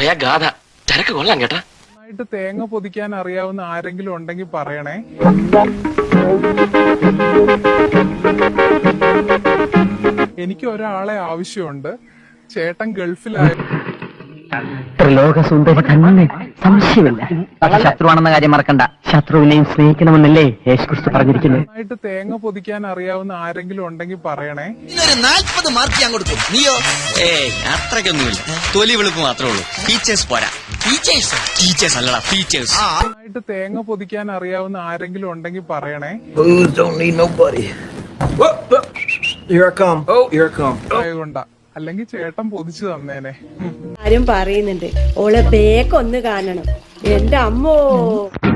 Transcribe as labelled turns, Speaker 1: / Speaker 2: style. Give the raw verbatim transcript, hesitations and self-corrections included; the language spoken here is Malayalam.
Speaker 1: പറയാ ഗാഥ ചരക്ക് കൊള്ളാം കേട്ടാ.
Speaker 2: നന്നായിട്ട് തേങ്ങ പൊതിക്കാൻ അറിയാവുന്ന ആരെങ്കിലും ഉണ്ടെങ്കിൽ പറയണേ. എനിക്ക് ഒരാളെ ആവശ്യമുണ്ട്. ചേട്ടൻ ഗൾഫിലായ
Speaker 3: ത്രിലോകസുന്ദരി തന്നെ, സംശയമില്ല. ശത്രുവാണെന്ന കാര്യം മറക്കണ്ട. ശത്രുവിനെയും സ്നേഹിക്കണമെന്നല്ലേ യേശുക്രിസ്തു പറഞ്ഞിരിക്കുന്നത്.
Speaker 2: നന്നായിട്ട് തേങ്ങ പൊതിക്കാൻ അറിയാവുന്ന ആരെങ്കിലും ഉണ്ടെങ്കിൽ പറയണേ.
Speaker 4: നാൽപ്പത് മാർക്ക് ഞാൻ കൊടുക്കും. നീയോ?
Speaker 5: ഏയ് അത്രയ്ക്കൊന്നുമില്ല, തൊലി വെളുപ്പ് മാത്രമേ ഉള്ളൂ. ടീച്ചേഴ്സ് പോരാ.
Speaker 4: ടീച്ചേഴ്സ്
Speaker 5: ടീച്ചേഴ്സ് അല്ലടാ, ടീച്ചേഴ്സ്.
Speaker 2: നന്നായിട്ട് തേങ്ങ പൊതിക്കാൻ അറിയാവുന്ന ആരെങ്കിലും ഉണ്ടെങ്കിൽ പറയണേ. ആയതുകൊണ്ടാ, അല്ലെങ്കിൽ ചേട്ടൻ പൊതിച്ചു തന്നേനെ.
Speaker 6: ആരും പറയുന്നുണ്ട് ഓളെ ബേക്കൊന്ന് കാണണം. എന്റെ അമ്മോ.